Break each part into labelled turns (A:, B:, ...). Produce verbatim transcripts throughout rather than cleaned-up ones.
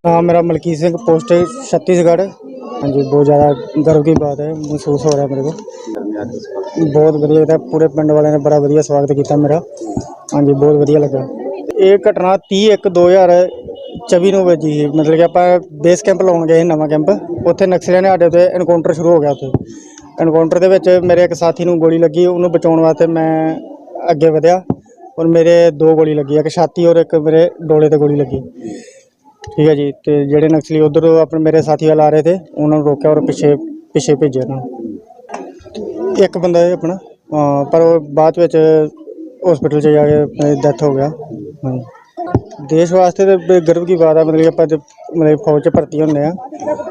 A: हाँ, मेरा मलकीत सिंह, पोस्ट है छत्तीसगढ़। हाँ जी, बहुत ज़्यादा गर्व की बात है, महसूस हो रहा है मेरे को। बहुत बढ़िया था, पूरे पिंड वाले ने बड़ा बढ़िया स्वागत किया मेरा। हाँ जी, बहुत बढ़िया लगा। ये घटना तीह एक दो हज़ार चौबी ਨੂੰ ਵੱਜੀ ਸੀ। मतलब कि ਆਪਾਂ ਬੇਸ ਕੈਂਪ ਲਾਉਣ ਗਏ ਸੀ, ਨਵਾਂ ਕੈਂਪ। ਉੱਥੇ ਨਕਸਲੀਆਂ ਨੇ ਸਾਡੇ 'ਤੇ ਐਨਕਾਊਂਟਰ ਸ਼ੁਰੂ ਹੋ ਗਿਆ। ਉੱਥੇ ਐਨਕਾਊਂਟਰ ਦੇ ਵਿੱਚ ਮੇਰੇ ਇੱਕ ਸਾਥੀ ਨੂੰ ਗੋਲੀ ਲੱਗੀ, ਉਹਨੂੰ ਬਚਾਉਣ ਵਾਸਤੇ ਮੈਂ ਅੱਗੇ ਵਧਿਆ ਔਰ ਮੇਰੇ ਦੋ ਗੋਲੀ ਲੱਗੀ, ਇੱਕ ਛਾਤੀ ਔਰ ਇੱਕ ਮੇਰੇ ਡੋਲੇ 'ਤੇ ਗੋਲੀ ਲੱਗੀ। ठीक है जी। तो ਜਿਹੜੇ ਨਕਸਲੀ ਉਧਰ ਆਪਣੇ ਮੇਰੇ ਸਾਥੀ ਵਾਲ ਆ ਰਹੇ थे, ਉਹਨਾਂ ਨੂੰ ਰੋਕਿਆ ਔਰ ਪਿੱਛੇ ਪਿੱਛੇ ਭੇਜਿਆ ਉਹਨਾਂ। ਇੱਕ ਬੰਦਾ ਹੈ ਆਪਣਾ, ਪਰ ਉਹ ਬਾਅਦ ਵਿੱਚ हॉस्पिटल 'ਚ ਜਾ ਕੇ ਡੈਥ ਹੋ ਗਿਆ। हाँ, देश वास्ते तो गर्व की बात है। मतलब ਆਪਾਂ मतलब फौज 'ਚ ਭਰਤੀ ਹੁੰਦੇ ਆ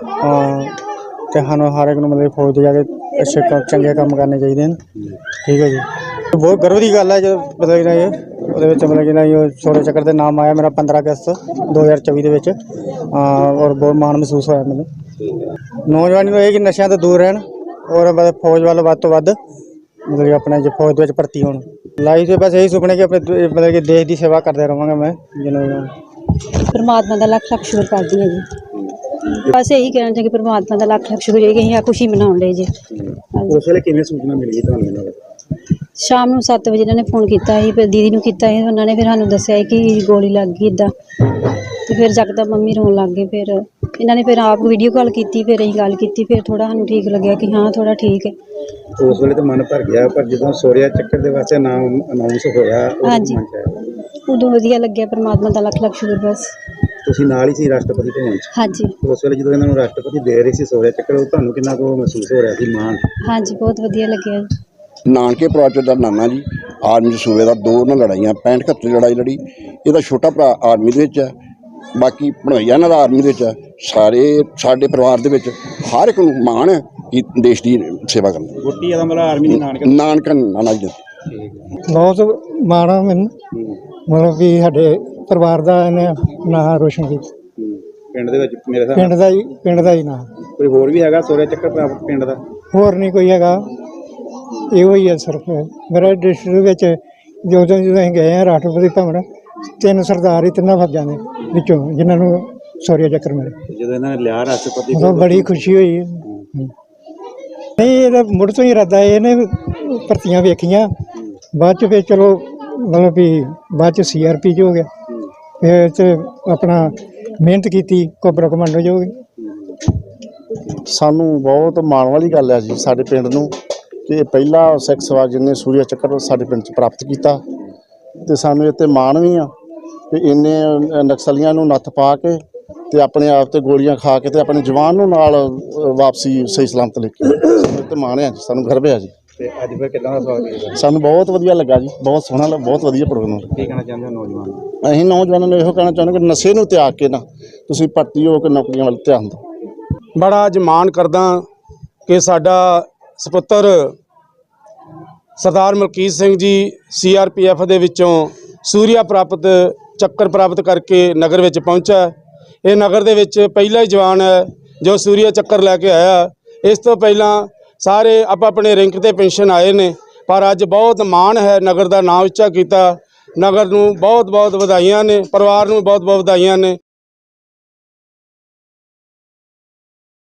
A: ਤੇ ਸਾਨੂੰ ਹਰ ਇੱਕ ਨੂੰ मतलब फौज 'ਚ ਜਾ ਕੇ ਅੱਛੇ ਕੰਮ ਚੰਗੇ ਕੰਮ ਕਰਨੇ ਚਾਹੀਦੇ ਹਨ। ਠੀਕ ਹੈ ਜੀ। ਬਹੁਤ गर्व की गल है जो मतलब कि ਇਹ ਉਹਦੇ ਵਿੱਚ मतलब कि ਨਾ ਇਹ ਸ਼ੌर्य ਚੱਕਰ ਦੇ ਨਾਮ ਆਇਆ ਮੇਰਾ पंद्रह अगस्त दो हज़ार चौबी ਦੇ ਵਿੱਚ। ਔਰ ਬਹੁਤ ਮਾਣ ਮਹਿਸੂਸ ਹੋਇਆ ਮੈਨੂੰ। ਨੌਜਵਾਨੀ ਨੂੰ ਇਹ ਕਿ ਨਸ਼ਿਆਂ ਤੋਂ ਦੂਰ ਰਹਿਣ ਔਰ मतलब फौज ਵੱਲ ਵੱਧ ਤੋਂ ਵੱਧ मतलब कि ਆਪਣੇ ਜੇ फौज ਦੇ ਵਿੱਚ ਭਰਤੀ ਹੋਣ। ਲਾਈਫ 'ਚ ਬਸ ਇਹੀ ਸੁਪਨੇ ਕਿ ਆਪਣੇ मतलब कि देश ਦੀ ਸੇਵਾ ਕਰਦਾ ਰਹਾਂਗਾ ਮੈਂ। ਜਿਵੇਂ
B: परमात्मा का लख लख शुक्र करती है जी। बस यही कहना चाहिए कि परमात्मा का लख लख शुक्र है कि अं खुशी मना ले जी।
C: उस वेले किवें सूचना मिल गई तुहानूं?
B: शाम ਨੂੰ सत्त ਵਜੇ ਇਹਨਾਂ ਨੇ ਫੋਨ ਕੀਤਾ ਸੀ, ਫਿਰ ਦੀਦੀ ਨੂੰ ਕੀਤਾ ਸੀ, ਉਹਨਾਂ ਨੇ ਫਿਰ ਸਾਨੂੰ ਦੱਸਿਆ ਕਿ ਗੋਲੀ ਲੱਗ ਗਈ ਇੱਦਾਂ। ਤੇ ਫਿਰ ਜਕਦਮ ਮੰਮੀ ਰੋਣ ਲੱਗ ਗਏ। ਫਿਰ ਇਹਨਾਂ ਨੇ ਫਿਰ ਆਪ ਵੀਡੀਓ ਕਾਲ ਕੀਤੀ, ਫਿਰ ਅਸੀਂ ਗੱਲ ਕੀਤੀ, ਫਿਰ ਥੋੜਾ ਸਾਨੂੰ ਠੀਕ ਲੱਗਿਆ ਕਿ ਹਾਂ ਥੋੜਾ ਠੀਕ ਹੈ।
C: ਉਸ ਵੇਲੇ ਤਾਂ ਮਨ ਭਰ ਗਿਆ, ਪਰ ਜਦੋਂ ਸ਼ੌर्य ਚੱਕਰ ਦੇ ਵਾਸਤੇ ਨਾਮ ਅਨਾਉਂਸ ਹੋਇਆ
B: ਹਾਂਜੀ ਉਦੋਂ ਵਧੀਆ ਲੱਗਿਆ। ਪਰਮਾਤਮਾ ਦਾ ਲੱਖ ਲੱਖ ਸ਼ੁਕਰ। ਬਸ
C: ਤੁਸੀਂ ਨਾਲ ਹੀ ਸੀ ਰਾਸ਼ਟਰਪਤੀ ਭਵਨ 'ਚ?
B: ਹਾਂਜੀ।
C: ਉਸ ਵੇਲੇ ਜਦੋਂ ਇਹਨਾਂ ਨੂੰ ਰਾਸ਼ਟਰਪਤੀ ਦੇ ਰਹੇ ਸੀ ਸ਼ੌर्य ਚੱਕਰ, ਉਹ ਤੁਹਾਨੂੰ ਕਿੰਨਾ ਕੁ ਮਹਿਸੂਸ ਹੋ ਰਿਹਾ ਸੀ ਮਾਣ?
B: ਹਾਂਜੀ, ਬਹੁਤ ਵਧੀਆ ਲੱਗਿਆ।
D: ਨਾਨਕੇ ਪਰਿਵਾਰ ਦਾ ਨਾਨਾ ਜੀ ਆਰਮੀ ਸੂਬੇ ਦਾ, ਦੋ ਉਹਨਾਂ ਲੜਾਈਆਂ ਪੈਂਹਠ ਇਕਹੱਤਰ ਲੜਾਈ ਲੜੀ। ਇਹਦਾ ਛੋਟਾ ਭਰਾ ਆਰਮੀ ਦੇ ਵਿੱਚ ਹੈ, ਬਾਕੀ ਭਣੋਈਆ ਇਹਨਾਂ ਦਾ ਆਰਮੀ ਦੇ ਵਿੱਚ ਹੈ। ਸਾਰੇ ਸਾਡੇ ਪਰਿਵਾਰ ਦੇ ਵਿੱਚ ਹਰ ਇੱਕ ਨੂੰ ਮਾਣ ਹੈ ਕਿ ਦੇਸ਼ ਦੀ ਸੇਵਾ ਕਰਨ।
C: ਗੁੱਟੀ ਦਾ ਮਤਲਬ ਆਰਮੀ ਦੇ ਨਾਨਕਾ
D: ਨਾਨਕਾ ਨਾਨਾ ਜੀ।
A: ਬਹੁਤ ਮਾਣ ਆ ਮੈਨੂੰ, ਮਤਲਬ ਕਿ ਸਾਡੇ ਪਰਿਵਾਰ ਦਾ ਇਹਨੇ ਨਾਂ ਰੋਸ਼ਨ ਕੀਤਾ।
C: ਪਿੰਡ ਦੇ ਵਿੱਚ ਮੇਰੇ ਹਿਸਾਬ
A: ਪਿੰਡ ਦਾ ਹੀ ਪਿੰਡ ਦਾ ਹੀ ਨਾਂ।
C: ਕੋਈ ਹੋਰ ਵੀ ਹੈਗਾ ਸ਼ੌर्य ਚੱਕਰ ਪ੍ਰਾਪਤ ਪਿੰਡ ਦਾ?
A: ਹੋਰ ਨਹੀਂ ਕੋਈ ਹੈਗਾ, ਇਹੋ ਹੀ ਹੈ ਸਿਰਫ। ਮੇਰੇ ਡਿਸਟ੍ਰਿਕਟ ਵਿੱਚ ਜਦੋਂ ਜਦੋਂ ਅਸੀਂ ਗਏ ਹਾਂ ਰਾਸ਼ਟਰਪਤੀ ਭਵਨ, ਤਿੰਨ ਸਰਦਾਰ ਹੀ ਤਿੰਨਾਂ ਫੌਜਾਂ ਦੇ ਵਿੱਚੋਂ ਜਿਨ੍ਹਾਂ ਨੂੰ ਸ਼ੌर्य ਚੱਕਰ ਮਿਲੇ।
C: ਜਦੋਂ ਇਹਨਾਂ ਨੇ ਲਿਆ ਰਾਸ਼ਟਰਪਤੀ,
A: ਉਦੋਂ ਬੜੀ ਖੁਸ਼ੀ ਹੋਈ। ਨਹੀਂ, ਇਹਦਾ ਮੁੜ ਤੋਂ ਹੀ ਇਰਾਦਾ ਹੈ। ਇਹਨੇ ਭਰਤੀਆਂ ਵੇਖੀਆਂ, ਬਾਅਦ 'ਚ ਫਿਰ ਚਲੋ ਮਤਲਬ ਵੀ ਬਾਅਦ 'ਚ ਸੀ ਆਰ ਪੀ 'ਚ ਹੋ ਗਿਆ, ਫਿਰ 'ਚ ਆਪਣਾ ਮਿਹਨਤ ਕੀਤੀ, ਕੋਬਰਾ ਕਮਾਂਡੋ 'ਚ ਹੋ ਗਈ।
E: ਸਾਨੂੰ ਬਹੁਤ ਮਾਣ ਵਾਲੀ ਗੱਲ ਹੈ ਜੀ ਸਾਡੇ ਪਿੰਡ ਨੂੰ ਕਿ ਇਹ ਪਹਿਲਾ ਸਿੱਖ ਸਵਾ ਜਿਹਨੇ ਸ਼ੌर्य ਚੱਕਰ ਸਾਡੇ ਪਿੰਡ 'ਚ ਪ੍ਰਾਪਤ ਕੀਤਾ। ਅਤੇ ਸਾਨੂੰ ਇਹ 'ਤੇ ਮਾਣ ਵੀ ਆ ਕਿ ਇੰਨੇ ਨਕਸਲੀਆਂ ਨੂੰ ਨੱਥ ਪਾ ਕੇ ਅਤੇ ਆਪਣੇ ਆਪ 'ਤੇ ਗੋਲੀਆਂ ਖਾ ਕੇ ਅਤੇ ਆਪਣੇ ਜਵਾਨ ਨੂੰ ਨਾਲ ਵਾਪਸੀ ਸਹੀ ਸਲਾਮਤ ਲੈ ਕੇ ਸਾਨੂੰ ਇਹ 'ਤੇ ਮਾਣ ਆ ਜੀ, ਸਾਨੂੰ ਗਰਵ ਆ ਜੀ।
C: ਤੇ ਅੱਜ ਫਿਰ ਕਿੱਦਾਂ ਦਾ ਸਵਾਗਤ ਕੀਤਾ?
E: ਸਾਨੂੰ ਬਹੁਤ ਵਧੀਆ ਲੱਗਾ ਜੀ, ਬਹੁਤ ਸੋਹਣਾ ਲੱਗਾ, ਬਹੁਤ ਵਧੀਆ ਪ੍ਰੋਗਰਾਮ।
C: ਕੀ ਕਹਿਣਾ ਚਾਹੁੰਦੇ ਹੋ ਨੌਜਵਾਨ ਨੂੰ?
E: ਅਸੀਂ ਨੌਜਵਾਨਾਂ ਨੂੰ ਇਹੋ ਕਹਿਣਾ ਚਾਹੁੰਦੇ ਕਿ ਨਸ਼ੇ ਨੂੰ ਤਿਆਗ ਕੇ ਨਾ ਤੁਸੀਂ ਭਰਤੀ ਹੋ ਕੇ ਨੌਕਰੀਆਂ ਵੱਲ ਧਿਆਨ ਦਿਓ।
F: ਬੜਾ ਅੱਜ ਮਾਣ ਕਰਦਾ ਕਿ ਸਾਡਾ ਸਪੁੱਤਰ ਸਰਦਾਰ ਮਲਕੀਤ ਸਿੰਘ ਜੀ ਸੀ ਆਰ ਪੀ ਐਫ ਦੇ ਵਿੱਚੋਂ ਸ਼ੌर्य ਪ੍ਰਾਪਤ ਚੱਕਰ ਪ੍ਰਾਪਤ ਕਰਕੇ ਨਗਰ ਵਿੱਚ ਪਹੁੰਚਾ। ਇਹ ਨਗਰ ਦੇ ਵਿੱਚ ਪਹਿਲਾ ਹੀ ਜਵਾਨ ਹੈ ਜੋ ਸ਼ੌर्य ਚੱਕਰ ਲੈ ਕੇ ਆਇਆ। ਇਸ ਤੋਂ ਪਹਿਲਾਂ ਸਾਰੇ ਆਪ ਆਪਣੇ ਰੈਂਕ 'ਤੇ ਪੈਨਸ਼ਨ ਆਏ ਨੇ, ਪਰ ਅੱਜ ਬਹੁਤ ਮਾਣ ਹੈ, ਨਗਰ ਦਾ ਨਾਮ ਉੱਚਾ ਕੀਤਾ। ਨਗਰ ਨੂੰ ਬਹੁਤ ਬਹੁਤ ਵਧਾਈਆਂ ਨੇ, ਪਰਿਵਾਰ ਨੂੰ ਬਹੁਤ ਬਹੁਤ ਵਧਾਈਆਂ ਨੇ।